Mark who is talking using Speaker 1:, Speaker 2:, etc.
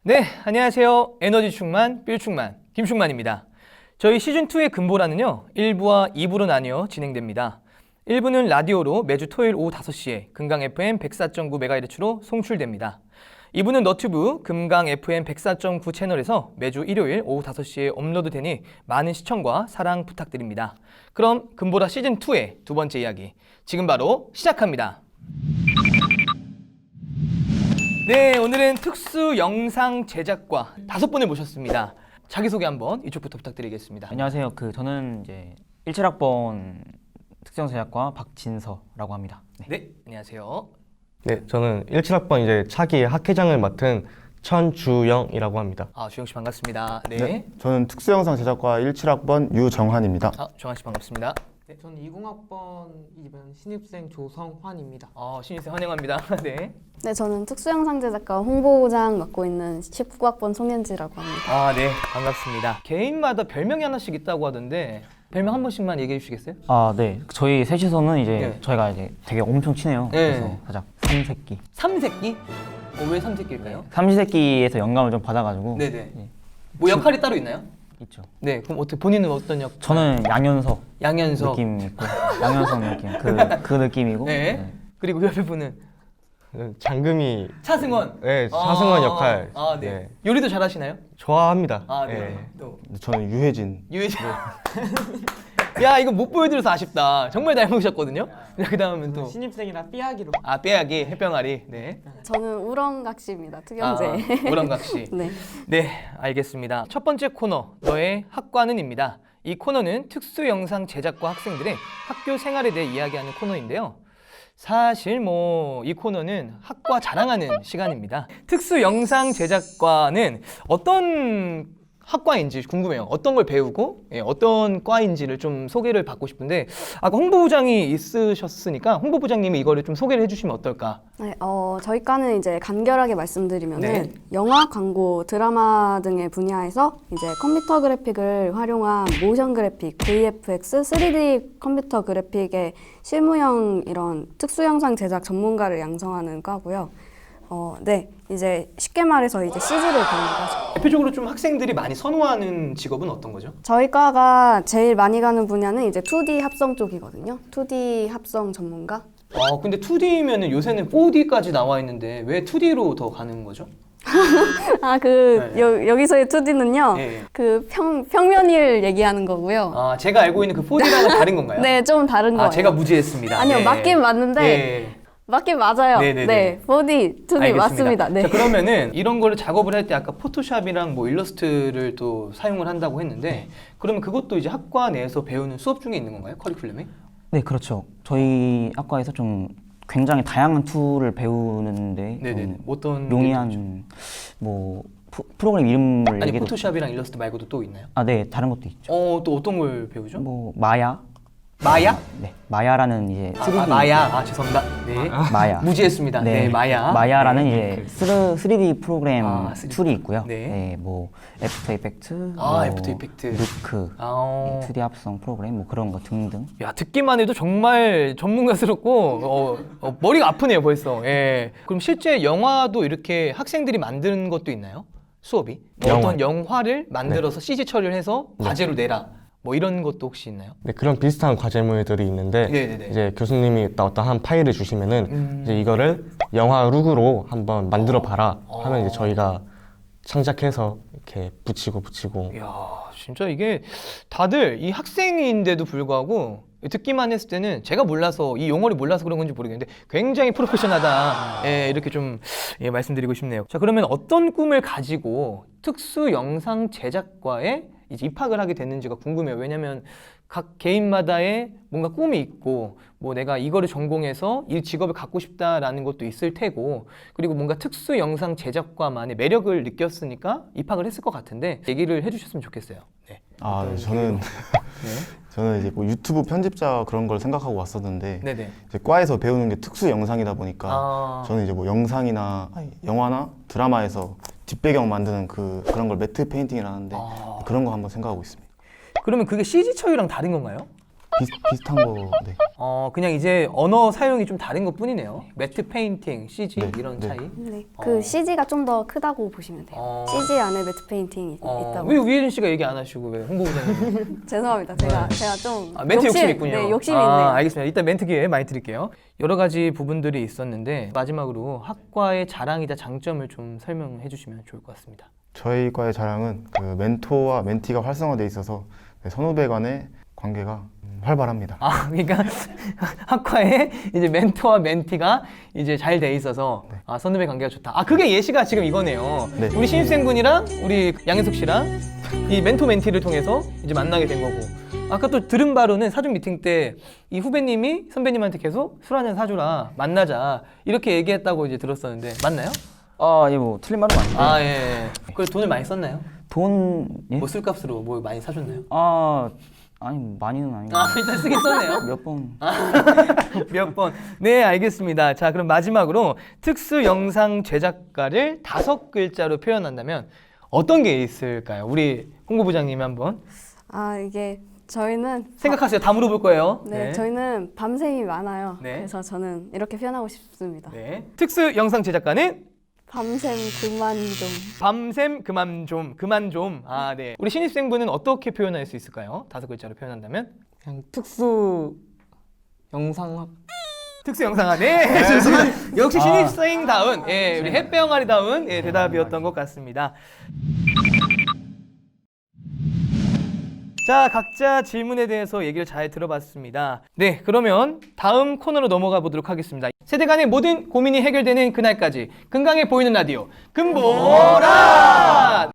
Speaker 1: 네, 안녕하세요. 에너지 충만, 삘 충만, 김충만입니다. 저희 시즌2의 금보라는요, 1부와 2부로 나뉘어 진행됩니다. 1부는 라디오로 매주 토요일 오후 5시에 금강 FM 104.9MHz로 송출됩니다. 2부는 너튜브 금강 FM 104.9 채널에서 매주 일요일 오후 5시에 업로드되니 많은 시청과 사랑 부탁드립니다. 그럼 금보라 시즌2의 두 번째 이야기, 지금 바로 시작합니다. 네, 오늘은 특수 영상 제작과 5분을 모셨습니다. 자기소개 한번 이쪽부터 부탁드리겠습니다.
Speaker 2: 안녕하세요. 저는 이제 17학번 특정 제작과 박진서라고 합니다.
Speaker 1: 네, 안녕하세요.
Speaker 3: 네, 저는 17학번 이제 차기 학회장을 맡은 천주영이라고 합니다.
Speaker 1: 주영 씨 반갑습니다. 네.
Speaker 4: 네, 저는 특수영상 제작과 17학번 유정환입니다.
Speaker 1: 정한 씨 반갑습니다.
Speaker 5: 네, 저는 20학번 이번 신입생 조성환입니다.
Speaker 1: 신입생 환영합니다. 네.
Speaker 6: 네, 저는 특수영상 제작과 홍보부장 맡고 있는 19학번 송현지라고 합니다.
Speaker 1: 네, 반갑습니다. 개인마다 별명이 하나씩 있다고 하던데 별명 한 번씩만 얘기해 주시겠어요?
Speaker 2: 네. 저희 셋이서는 이제
Speaker 1: 네.
Speaker 2: 저희가 이제 되게 엄청 친해요.
Speaker 1: 네.
Speaker 2: 그래서 살짝 삼새끼.
Speaker 1: 삼새끼? 왜 삼새끼일까요?
Speaker 2: 삼시세끼에서 영감을 좀 받아가지고.
Speaker 1: 네네.
Speaker 2: 네.
Speaker 1: 뭐 역할이 따로 있나요?
Speaker 2: 있죠.
Speaker 1: 네, 그럼 어떻게 본인은 어떤 역?
Speaker 2: 저는 양현석
Speaker 1: 양현석.
Speaker 2: 느낌 있고 양현석 느낌 그 느낌이고.
Speaker 1: 네. 그리고 옆에 분은
Speaker 3: 장금이
Speaker 1: 차승원.
Speaker 3: 네, 차승원 역할.
Speaker 1: 네.
Speaker 3: 네.
Speaker 1: 요리도 잘하시나요?
Speaker 3: 좋아합니다.
Speaker 1: 네.
Speaker 3: 네.
Speaker 1: 또
Speaker 4: 저는 유혜진.
Speaker 1: 유해진. 야, 이거 못 보여드려서 아쉽다. 정말 닮으셨거든요. 그 다음은 또
Speaker 5: 신입생이라 삐약이로.
Speaker 1: 빼야기, 햇병아리. 네.
Speaker 6: 저는 우렁각시입니다. 특영제.
Speaker 1: 우렁각시.
Speaker 6: 네.
Speaker 1: 네, 알겠습니다. 첫 번째 코너, 너의 학과는입니다. 이 코너는 특수 영상 제작과 학생들의 학교 생활에 대해 이야기하는 코너인데요. 사실 이 코너는 학과 자랑하는 시간입니다. 특수 영상 제작과는 어떤 학과인지 궁금해요. 어떤 걸 배우고 어떤 과인지를 좀 소개를 받고 싶은데 아까 홍보부장이 있으셨으니까 홍보부장님이 이거를 좀 소개를 해주시면 어떨까?
Speaker 6: 네, 저희 과는 이제 간결하게 말씀드리면은
Speaker 1: 네.
Speaker 6: 영화, 광고, 드라마 등의 분야에서 이제 컴퓨터 그래픽을 활용한 모션 그래픽, VFX, 3D 컴퓨터 그래픽의 실무형 이런 특수 영상 제작 전문가를 양성하는 과고요. 네, 이제 쉽게 말해서 이제 CG를 배우는 과죠.
Speaker 1: 대표적으로 좀 학생들이 많이 선호하는 직업은 어떤 거죠?
Speaker 6: 저희 과가 제일 많이 가는 분야는 이제 2D 합성 쪽이거든요. 2D 합성 전문가.
Speaker 1: 근데 2D면은 요새는 4D까지 나와 있는데 왜 2D로 더 가는 거죠? 네.
Speaker 6: 여기서의 2D는요.
Speaker 1: 예.
Speaker 6: 그 평면을 얘기하는 거고요.
Speaker 1: 제가 알고 있는 그 4D랑은 다른 건가요?
Speaker 6: 네, 좀 다른 거예요.
Speaker 1: 제가 무지했습니다.
Speaker 6: 아니요,
Speaker 1: 네.
Speaker 6: 맞긴 맞는데
Speaker 1: 예.
Speaker 6: 맞긴 맞아요.
Speaker 1: 네네네.
Speaker 6: 네, 4D, 2D
Speaker 1: 알겠습니다.
Speaker 6: 맞습니다. 네.
Speaker 1: 자, 그러면은 이런 거를 작업을 할 때 아까 포토샵이랑 뭐 일러스트를 또 사용을 한다고 했는데 그러면 그것도 이제 학과 내에서 배우는 수업 중에 있는 건가요? 커리큘럼에?
Speaker 2: 네, 그렇죠. 저희 학과에서 좀 굉장히 다양한 툴을 배우는데
Speaker 1: 네네. 어떤
Speaker 2: 용이한 뭐 프로그램 이름을
Speaker 1: 아니
Speaker 2: 얘기해도-
Speaker 1: 포토샵이랑 일러스트 말고도 또 있나요?
Speaker 2: 네, 다른 것도 있죠.
Speaker 1: 또 어떤 걸 배우죠?
Speaker 2: 뭐 마야.
Speaker 1: 마야?
Speaker 2: 네, 마야라는 이제 3D
Speaker 1: 마야. 죄송합니다. 네.
Speaker 2: 마야.
Speaker 1: 무지했습니다. 네, 마야.
Speaker 2: 마야라는
Speaker 1: 네.
Speaker 2: 이제 3D 프로그램
Speaker 1: 3D
Speaker 2: 툴이 있고요.
Speaker 1: 네.
Speaker 2: 네, 뭐 애프터 이펙트, 뭐
Speaker 1: 애프터 이펙트.
Speaker 2: 루크, 2D 합성 프로그램 뭐 그런 거 등등.
Speaker 1: 야, 듣기만 해도 정말 전문가스럽고 머리가 아프네요 벌써. 예. 그럼 실제 영화도 이렇게 학생들이 만드는 것도 있나요? 수업이? 어떤 영화를 만들어서 CG 처리를 해서 과제로 내라. 뭐 이런 것도 혹시 있나요?
Speaker 3: 네, 그런 비슷한 과제물들이 있는데
Speaker 1: 네네네.
Speaker 3: 이제 교수님이 어떤 한 파일을 주시면은 이제 이거를 영화 룩으로 한번 만들어 봐라 하면 이제 저희가 창작해서 이렇게 붙이고
Speaker 1: 이야, 진짜 이게 다들 이 학생인데도 불구하고 듣기만 했을 때는 제가 몰라서 이 용어를 몰라서 그런 건지 모르겠는데 굉장히 프로페셔널하다. 이렇게 좀 말씀드리고 싶네요. 자, 그러면 어떤 꿈을 가지고 특수 영상 제작과에 이제 입학을 하게 됐는지가 궁금해요. 왜냐면 각 개인마다의 뭔가 꿈이 있고 뭐 내가 이거를 전공해서 이 직업을 갖고 싶다라는 것도 있을 테고 그리고 뭔가 특수 영상 제작과만의 매력을 느꼈으니까 입학을 했을 것 같은데 얘기를 해주셨으면 좋겠어요. 네.
Speaker 4: 네, 저는 이제 뭐 유튜브 편집자 그런 걸 생각하고 왔었는데
Speaker 1: 네네.
Speaker 4: 이제 과에서 배우는 게 특수 영상이다 보니까 저는 이제 뭐 영상이나 영화나 드라마에서 뒷배경 만드는 그런 걸 매트 페인팅이라는데 그런 거 한번 생각하고 있습니다.
Speaker 1: 그러면 그게 CG 처리랑 다른 건가요?
Speaker 4: 비슷한 거. 네.
Speaker 1: 그냥 이제 언어 사용이 좀 다른 것 뿐이네요. 매트 페인팅, CG
Speaker 4: 네,
Speaker 1: 이런
Speaker 4: 네.
Speaker 1: 차이.
Speaker 6: 네, 그 CG가 좀 더 크다고 보시면 돼요. CG 안에 매트 페인팅이 있다고.
Speaker 1: 왜 우예준 씨가 얘기 안 하시고 왜 홍보부장님?
Speaker 6: 죄송합니다. 제가 좀
Speaker 1: 멘트 욕심 있군요.
Speaker 6: 네, 욕심이 있네요.
Speaker 1: 알겠습니다. 이따 멘트 기회 많이 드릴게요. 여러 가지 부분들이 있었는데 마지막으로 학과의 자랑이자 장점을 좀 설명해 주시면 좋을 것 같습니다.
Speaker 4: 저희 과의 자랑은 그 멘토와 멘티가 활성화돼 있어서 네, 선후배 간의 관계가 활발합니다.
Speaker 1: 그러니까 학과에 이제 멘토와 멘티가 이제 잘 돼 있어서 선후배 관계가 좋다. 그게 예시가 지금 이거네요.
Speaker 4: 네.
Speaker 1: 우리 신입생분이랑 우리 양현석 씨랑 이 멘토 멘티를 통해서 이제 만나게 된 거고. 아까 또 들은 바로는 사전 미팅 때 이 후배님이 선배님한테 계속 술 한잔 사주라 만나자 이렇게 얘기했다고 이제 들었었는데 맞나요?
Speaker 2: 예, 뭐 틀린 말은 아닌데.
Speaker 1: 예. 그 돈을 많이 썼나요?
Speaker 2: 돈 예?
Speaker 1: 뭐 술값으로 뭐 많이 사줬나요?
Speaker 2: 아니 많이는 아니고
Speaker 1: 일단 쓰긴 썼네요.
Speaker 2: 몇 번.
Speaker 1: 몇 번. 네, 알겠습니다. 자, 그럼 마지막으로 특수 영상 제작가를 5글자로 표현한다면 어떤 게 있을까요? 우리 홍보부장님이 한번
Speaker 6: 이게 저희는
Speaker 1: 생각하세요. 다 물어볼 거예요.
Speaker 6: 네, 저희는 밤샘이 많아요.
Speaker 1: 네.
Speaker 6: 그래서 저는 이렇게 표현하고 싶습니다.
Speaker 1: 네. 특수 영상 제작가는
Speaker 6: 밤샘 그만 좀.
Speaker 1: 밤샘 그만 좀. 네. 우리 신입생분은 어떻게 표현할 수 있을까요? 5글자로 표현한다면?
Speaker 5: 그냥 특수 영상학
Speaker 1: 특수 영상화. 네. 좋습니다. 역시 신입생다운, 우리 햇배영아리다운 대답이었던 것 같습니다. 자, 각자 질문에 대해서 얘기를 잘 들어봤습니다. 네, 그러면 다음 코너로 넘어가 보도록 하겠습니다. 세대 간의 모든 고민이 해결되는 그날까지 건강해 보이는 라디오 금보라!